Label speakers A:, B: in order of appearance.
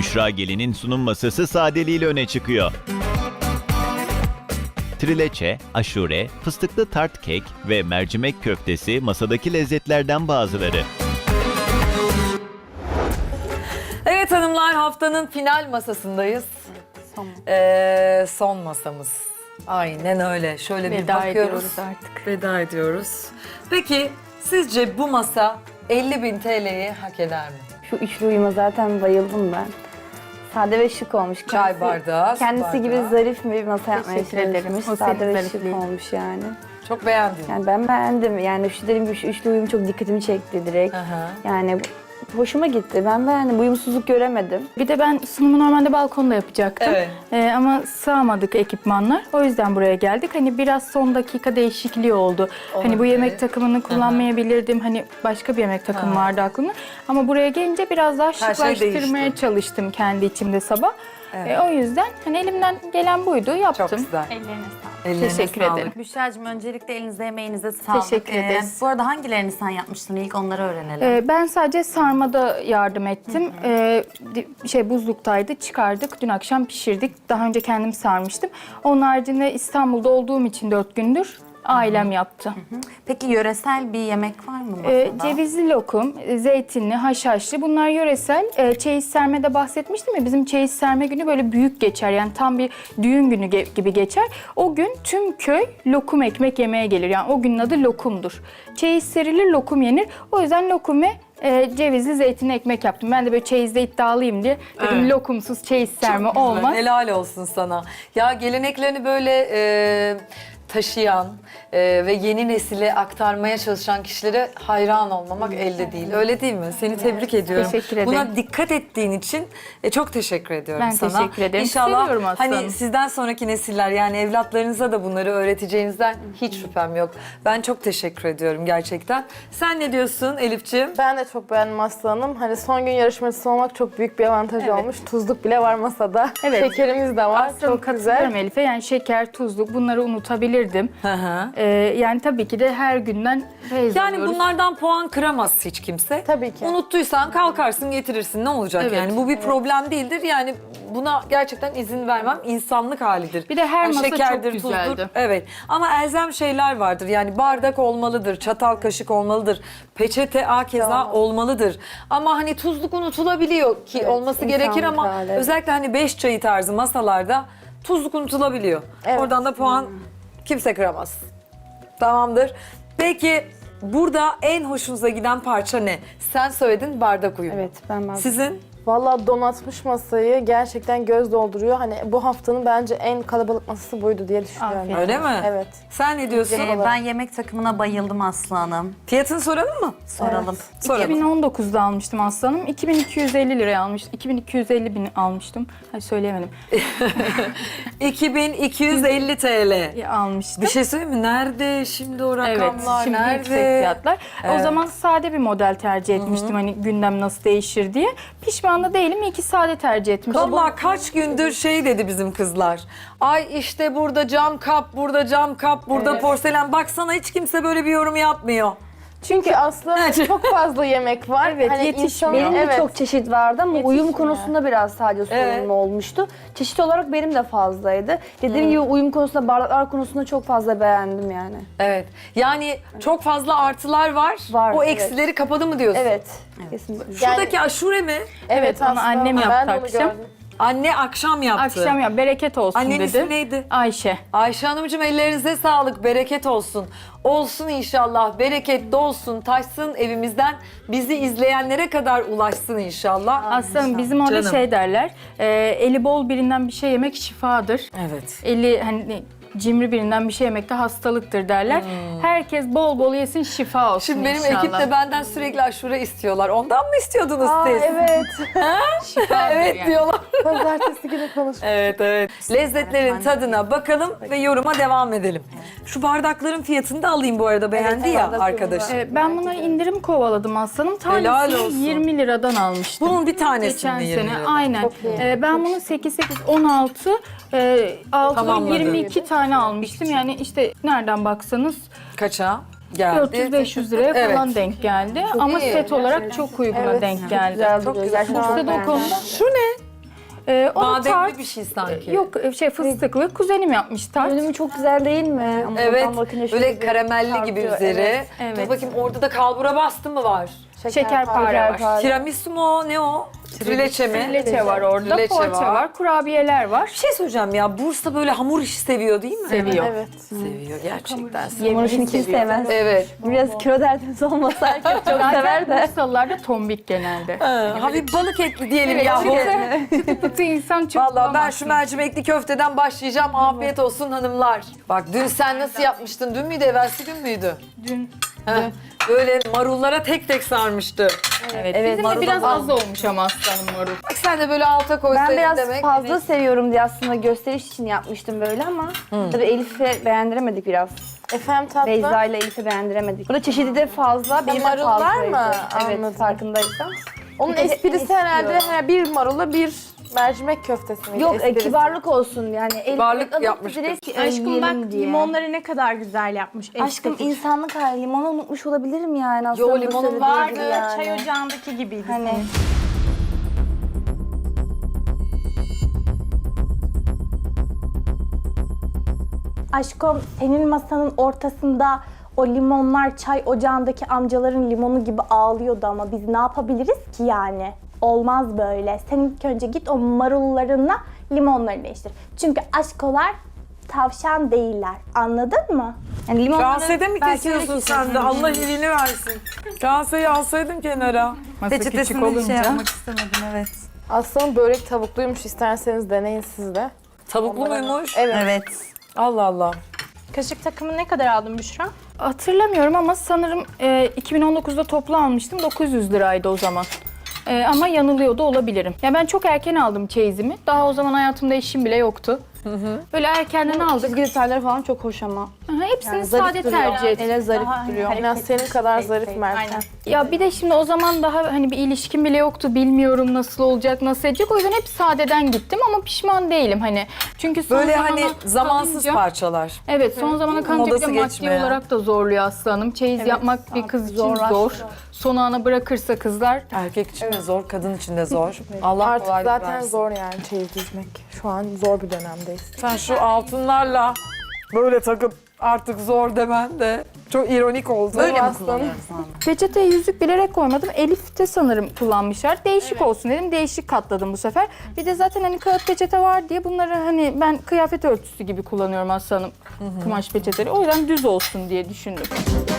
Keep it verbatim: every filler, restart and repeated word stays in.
A: Büşra Gelin'in sunum masası sadeliğiyle öne çıkıyor. Trileçe, aşure, fıstıklı tart kek ve mercimek köftesi masadaki lezzetlerden bazıları.
B: Evet hanımlar, haftanın final masasındayız.
C: Son.
B: Ee, son masamız. Aynen öyle. Şöyle bir
C: Veda
B: bakıyoruz.
C: ediyoruz artık.
B: Veda ediyoruz. Peki sizce bu masa elli bin T L'yi hak eder mi?
C: Şu üçlü uyuma zaten bayıldım ben. Sade ve şık olmuş.
B: Çay
C: Kendisi-
B: bardağı, su
C: Kendisi
B: bardağı.
C: gibi zarif bir masa yapmaya
D: Teşekkür ederim.
C: çalışmış.
D: O
C: Sade
D: senin
C: ve şık
D: zarifliğin.
C: olmuş yani.
B: Çok beğendim.
C: Yani ben beğendim. Yani şu dediğim gibi şu üçlü uyum çok dikkatimi çekti direkt.
B: Aha.
C: Yani hoşuma gitti. Ben beğendim. Uyumsuzluk göremedim.
D: Bir de ben sunumu normalde balkonda yapacaktım.
B: Evet.
D: Ee, ama sığamadık ekipmanlar. O yüzden buraya geldik. Hani biraz son dakika değişikliği oldu. Hani bu
B: Olabilir.
D: yemek takımını kullanmayabilirdim. Hani başka bir yemek takımı vardı aklımda. Ama buraya gelince biraz daha
B: şey
D: şıklaştırmaya
B: değişti.
D: çalıştım kendi içimde sabah.
B: Evet.
D: Ee, o yüzden hani elimden gelen buydu, yaptım.
B: Çok güzel.
E: Ellerine sağlık.
B: Ellerine
D: Teşekkür
B: sağlık.
D: ederim.
E: Büşra'cığım öncelikle elinize emeğinize sağlık.
D: Teşekkür ederiz.
E: Bu arada hangilerini sen yapmıştın ilk onları öğrenelim.
D: Ee, ben sadece sarmada yardım ettim. Ee, di- şey buzluktaydı, çıkardık. Dün akşam pişirdik. Daha önce kendim sarmıştım. Onun haricinde İstanbul'da olduğum için dört gündür ailem yaptı.
E: Peki yöresel bir yemek var mı masada?
D: Ee, cevizli lokum, e, zeytinli, haşhaşlı bunlar yöresel. Ee, çeyiz sermede bahsetmiştim ya, bizim çeyiz serme günü böyle büyük geçer. Yani tam bir düğün günü ge- gibi geçer. O gün tüm köy lokum ekmek yemeye gelir. Yani o günün adı lokumdur. Çeyiz serilir, lokum yenir. O yüzden lokum ve e, cevizli zeytinli ekmek yaptım. Ben de böyle çeyizde iddialıyım diye dedim
B: Evet.
D: lokumsuz çeyiz serme
B: Çok güzel,
D: olmaz.
B: Helal olsun sana. Ya geleneklerini böyle e, taşıyan e, ve yeni nesile aktarmaya çalışan kişilere hayran olmamak elde değil. Öyle değil mi? Seni tebrik ediyorum.
D: Teşekkür ederim.
B: Buna dikkat ettiğin için e, çok teşekkür ediyorum
D: Ben
B: sana.
D: teşekkür ederim.
B: İnşallah
D: Seviyorum aslanım.
B: hani sizden sonraki nesiller yani evlatlarınıza da bunları öğreteceğinizden hiç şüphem yok. Ben çok teşekkür ediyorum gerçekten. Sen ne diyorsun Elif'ciğim?
F: Ben de çok beğendim Aslı Hanım. Hani son gün yarışmacısı olmak çok büyük bir avantaj olmuş. Tuzluk bile var masada.
D: Evet.
F: Şekerimiz de var.
D: Aslında
F: çok
D: katılıyorum
F: güzel.
D: Elif'e. Yani şeker, tuzluk bunları unutabilirdim.
B: Hı hı.
D: Ee, yani tabii ki de her günden feyz
B: Yani
D: alıyoruz.
B: bunlardan puan kıramaz hiç kimse.
F: Tabii ki.
B: Unuttuysan kalkarsın getirirsin ne olacak
D: Evet.
B: yani bu bir problem değildir yani buna gerçekten izin vermem insanlık halidir.
D: Bir de her
B: Yani
D: masa çok
B: şekerdir,
D: güzeldi.
B: tuzdur. Evet ama elzem şeyler vardır yani bardak olmalıdır, çatal kaşık olmalıdır, peçete akeza
F: Tamam.
B: olmalıdır. Ama hani tuzluk unutulabiliyor ki
F: Evet,
B: olması gerekir
F: insanlık
B: ama
F: hali.
B: özellikle hani beş çayı tarzı masalarda tuzluk unutulabiliyor.
F: Evet.
B: Oradan da puan kimse kıramaz. Tamamdır. Peki burada en hoşunuza giden parça ne? Sen söyledin bardak uyumu.
F: Evet ben ben.
B: Sizin?
F: Vallahi donatmış masayı gerçekten göz dolduruyor. Hani bu haftanın bence en kalabalık masası buydu diye düşünüyorum.
D: Afiyet
B: Öyle mi?
F: Evet.
B: Sen ne diyorsun?
E: Ee, ben yemek takımına bayıldım Aslı Hanım.
B: Fiyatını soralım mı?
E: Soralım.
B: Soralım.
D: iki bin on dokuzda almıştım aslanım. iki bin iki yüz elli liraya almıştım. iki bin iki yüz elli bin almıştım. Hayır söyleyemedim.
B: iki bin iki yüz elli T L.
D: Ya, almıştım.
B: Bir şey söyleyeyim mi? Nerede şimdi o
D: Evet,
B: rakamlar?
D: şimdi
B: Nerede?
D: yüksek fiyatlar.
B: Evet.
D: O zaman sade bir model tercih etmiştim. Hani gündem nasıl değişir diye. Pişman da değilim. İyi ki sade tercih etmişim.
B: Vallahi kaç gündür şey dedi bizim kızlar. Ay işte burada cam kap, burada cam kap, burada porselen. Baksana hiç kimse böyle bir yorum yapmıyor.
F: Çünkü aslında çok fazla yemek var.
D: Evet,
F: Hani
D: yetişmiyor.
F: insanın-
C: Benim de
F: evet.
C: çok çeşit vardı ama uyum
F: Yetişmiyor.
C: konusunda biraz sadece sorunlu
B: Evet.
C: olmuştu. Çeşit olarak benim de fazlaydı. Dediğim gibi uyum konusunda, bardaklar konusunda çok fazla beğendim yani.
B: Evet. Yani çok fazla artılar var.
C: Var,
B: o
C: evet.
B: eksileri kapadı mı diyorsun?
C: Evet, kesinlikle.
B: Şuradaki aşure mi?
D: Evet, onu
F: aslında
D: annem yaptı
F: ben de onu
D: akşam.
F: gördüm.
B: Anne akşam yaptı.
D: Akşam ya bereket olsun
B: Annenin
D: dedi.
B: ismi neydi?
D: Ayşe.
B: Ayşe Hanımcığım ellerinize sağlık, bereket olsun. Olsun inşallah, bereket dolsun, taşsın evimizden. Bizi izleyenlere kadar ulaşsın inşallah.
D: Aslanım bizim orada
B: Canım.
D: şey derler. e, eli bol birinden bir şey yemek şifadır.
B: Evet.
D: Eli hani cimri birinden bir şey yemek de hastalıktır derler. Herkes bol bol yesin, şifa olsun
B: Şimdi benim
D: inşallah.
B: ekip de benden sürekli aşure istiyorlar. Ondan mı istiyordunuz
F: Aa,
B: siz?
F: evet.
D: Şifadır
B: Evet
D: yani.
B: diyorlar.
F: Pazartesi günü konuştuk.
B: Evet evet. Lezzetlerin tadına bakalım ve yoruma devam edelim. Şu bardakların fiyatını da alayım bu arada beğendi
F: evet,
B: ya
F: bardak
B: arkadaş.
F: yorumlar.
D: E, ben buna indirim kovaladım aslanım.
B: Helal olsun.
D: Tanesini yirmi liradan almıştım.
B: Bunun bir tanesini
D: Geçen
B: yirmi
D: sene
B: liradan.
D: aynen.
F: Çok iyi.
D: E, ben bunu sekiz sekiz on altı e, altıda
B: Tamamladı.
D: yirmi iki tane almıştım. Yani işte nereden baksanız
B: Kaça geldi?
D: dört yüz beş yüz liraya
B: Evet.
D: falan denk geldi. Ama
B: iyi.
D: set olarak çok uyguna
F: Evet,
D: denk
F: çok
D: geldi.
F: güzel
B: Çok
F: duruyor.
B: güzel.
F: Gerçekten
D: İşte de o
F: beğendim.
D: konuda
B: Şu ne?
D: Ee, o da
B: Bademli
D: tart.
B: bir şey sanki.
D: Yok şey fıstıklı. Kuzenim yapmış tart.
C: Görünümü çok güzel değil mi? Ama
B: Evet,
C: oradan bakınca şöyle
B: böyle
C: bir
B: karamelli gibi
C: çarpıyor.
B: üzeri.
C: Evet.
D: Evet.
B: Dur bakayım orada da kalbura bastı mı var?
D: Şekerpare var.
B: Tiramisu mu o? Ne o? Trileçe mi?
D: Trileçe var orada,
B: Trileçe
D: poğaça
B: var.
D: var. kurabiyeler var.
B: Bir şey söyleyeceğim ya, Bursa böyle hamur işi seviyor değil mi?
D: Seviyor.
F: Evet.
B: Seviyor gerçekten.
C: Hamur işini kim sevmez?
B: Evet.
C: Biraz kilo derdiniz olmasa herkes çok sever de.
D: Bursalılar da tombik genelde.
B: Ha, hafif balık etli diyelim
D: Evet,
B: ya.
D: çıtı pıtı insan çok
B: Vallahi ben
D: bulamazsın.
B: şu mercimekli köfteden başlayacağım. Afiyet olsun hanımlar. Bak dün sen nasıl yapmıştın? Dün müydü, evvelsi gün müydü?
D: Dün.
B: Heh, böyle marullara tek tek sarmıştı.
D: Evet,
C: Evet,
D: bizim de
B: marul
D: biraz
B: az.
D: az olmuş ama aslanım marul.
B: Bak sen de böyle alta koysaydın
C: Ben biraz
B: demek.
C: fazla seviyorum diye aslında gösteriş için yapmıştım böyle ama tabii Elif'e beğendiremedik biraz.
F: Efendim tatlı.
C: Beyza ile Elif'e beğendiremedik. Burada çeşidi de fazla, benim de
F: marullar
C: fazlaydı.
F: mı?
C: Evet,
F: Anladım.
C: farkındaysan.
F: Onun
C: Bir de
F: esprisi
C: istiyor.
F: herhalde he, bir marula bir mercimek köftesi miydi?
C: Yok, e,
F: esprisi?
C: kibarlık olsun yani. Elif
B: Kibarlık
C: alıp
B: yapmıştır.
C: direkt
G: Aşkım
C: yiyelim
G: bak
C: diye.
G: limonları ne kadar güzel yapmış.
C: Aşkım
G: estetik.
C: insanlık hali. Limonu unutmuş olabilirim yani aslında.
B: Yo,
C: bu
B: limonun
C: söylediği
G: Vardı
C: gibi yani.
G: çay ocağındaki gibiydi.
C: Hani
G: senin. Aşkım senin masanın ortasında o limonlar çay ocağındaki amcaların limonu gibi ağlıyordu ama biz ne yapabiliriz ki yani? Olmaz böyle. Sen ilk önce git o marullarınla limonları değiştir. Çünkü aşkolar tavşan değiller. Anladın mı?
C: yani limonları
B: Kase'de mi
C: belki
B: kesiyorsun
C: öyle
B: sen de? Allah iyiliğini versin. Kaseyi alsaydın kenara.
D: Masa küçük
E: Peçetesini şey
D: olunca.
E: yapmak istemedim, evet.
F: Aslanın börek tavukluymuş, isterseniz deneyin siz de.
B: Tavuklu muymuş?
F: Evet.
E: Evet.
B: Allah Allah.
G: Kaşık takımı ne kadar aldın Büşra?
D: Hatırlamıyorum ama sanırım e, iki bin on dokuzda toplu almıştım. dokuz yüz liraydı o zaman. E, ama yanılıyor da olabilirim. Ya ben çok erken aldım çeyizimi. Daha o zaman hayatımda eşim bile yoktu. Böyle erkenden aldık.
C: Çizgi detayları falan çok hoş ama.
D: Aha, hepsini
C: Yani zarif
D: sade
C: duruyor.
D: tercih ettim.
C: Ele zarif
G: Daha
C: duruyor.
G: hani
F: En az senin kadar
G: hareket-
F: zarif
G: Aynen.
F: Meltem.
D: Ya bir de şimdi o zaman daha hani bir ilişkim bile yoktu. Bilmiyorum nasıl olacak, nasıl edecek. O yüzden hep sadeden gittim ama pişman değilim hani. Çünkü son
B: Böyle
D: zamana
B: hani zamansız
D: kalınca-
B: parçalar.
D: Evet, son zamana kalınca bir
B: Modası
D: de maddi
B: geçmeyen.
D: olarak da zorluyor aslanım. Çeyiz yapmak bir kız için zor. Son ana bırakırsa kızlar
B: Erkek için de zor, kadın için de zor. Allah
F: Artık
B: kolaylık
F: zaten
B: versin.
F: zor yani çeyiz düzmek. Şu an zor bir dönemdeyiz.
B: Sen şu altınlarla böyle takıp artık zor demen de çok ironik oldu.
E: Böyle mi
F: Aslanım.
E: kullanıyoruz anne?
D: peçeteye yüzük bilerek koymadım. Elif de sanırım kullanmışlar. Değişik olsun dedim. Değişik katladım bu sefer. Bir de zaten hani kağıt peçete var diye bunları hani ben kıyafet örtüsü gibi kullanıyorum aslanım. Kumaş peçeteleri. O yüzden düz olsun diye düşündüm.